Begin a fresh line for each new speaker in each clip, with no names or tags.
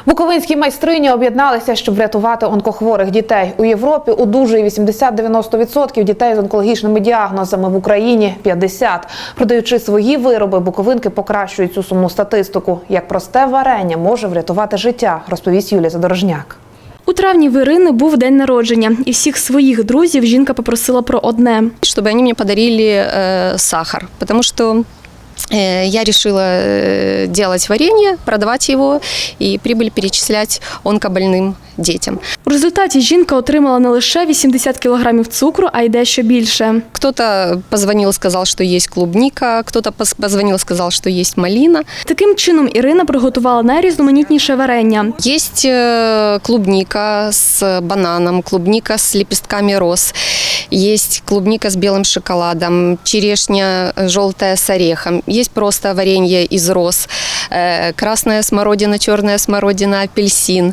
Буковинські майстрині об'єдналися, щоб врятувати онкохворих дітей. У Європі одужує 80-90% дітей з онкологічними діагнозами, в Україні – 50%. Продаючи свої вироби, буковинки покращують цю сумну статистику. Як просте варення може врятувати життя, розповість Юлія Задорожняк.
У травні в Ірини був день народження, і всіх своїх друзів жінка попросила про одне.
Щоб вони мені подарили сахар, тому що я решила делать варенье, продавать его и прибыль перечислять онкобольным детям.
У результаті жінка отримала не лише 80 кілограмів цукру, а й дещо більше.
Кто-то позвонил, сказал, что есть клубника, кто-то позвонил, сказал, что есть малина.
Таким чином Ірина приготувала найрізноманітніше варення.
Есть клубника с бананом, клубника с лепестками роз, есть клубника с белым шоколадом, черешня желтая с орехом, есть просто варенье из роз, красная смородина, черная смородина, апельсин.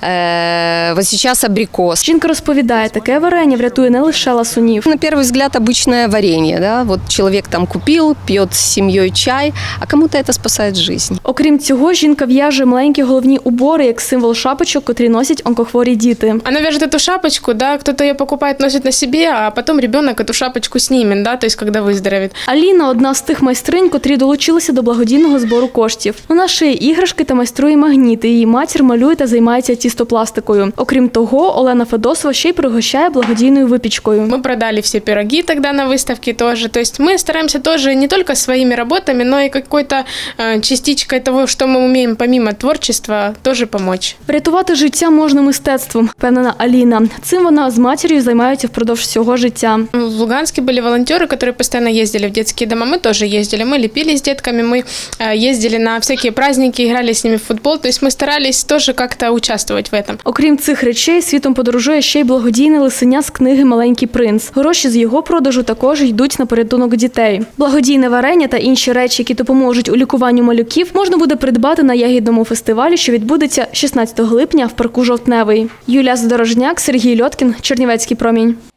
Вот сейчас абрикос.
Жінка розповідає, таке варення врятує не лише ласунів.
На первый взгляд обычное варенье, да? Вот человек там купил, пьет с семьей чай, а кому-то это спасает жизнь.
Окрім цього, жінка в'яже маленькі головні убори як символ шапочок, котрі носять онкохворі діти.
Она вяжет эту шапочку, да, кто-то ее покупает, носит на себе, а потом ребенок эту шапочку снимет, да, то есть когда выздоровеет.
Аліна – одна з тих майстринь, котрі долучилися до благодійного збору коштів. Вона шиє іграшки та майструє магніти. Її матір малює та займається тістопластикою. Окрім того, Олена Федосова ще й пригощає благодійною випічкою.
Мы продали все пироги тогда на выставке тоже. То есть мы стараемся тоже не только своими работами, но и какой-то частичкой того, что мы умеем помимо творчества, тоже помочь.
Врятувати життя можна мистецтвом, впевнена Аліна. Цим вона з матір'ю займаються впродовж всього життя.
В Луганске были волонтеры, которые постоянно ездили в детские дома. Мы тоже ездили. Мы лепили с детками, мы ездили на всякие праздники, играли с ними в футбол. То есть мы старались тоже как-то участвовать в этом.
Окрім цих речей, світом подорожує ще й благодійне лисеня з книги «Маленький принц». Гроші з його продажу також йдуть на порятунок дітей. Благодійне варення та інші речі, які допоможуть у лікуванню малюків, можна буде придбати на ягідному фестивалі, що відбудеться 16 липня в парку Жовтневий. Юлія Задорожняк, Сергій Льоткін, Чернівецький промінь.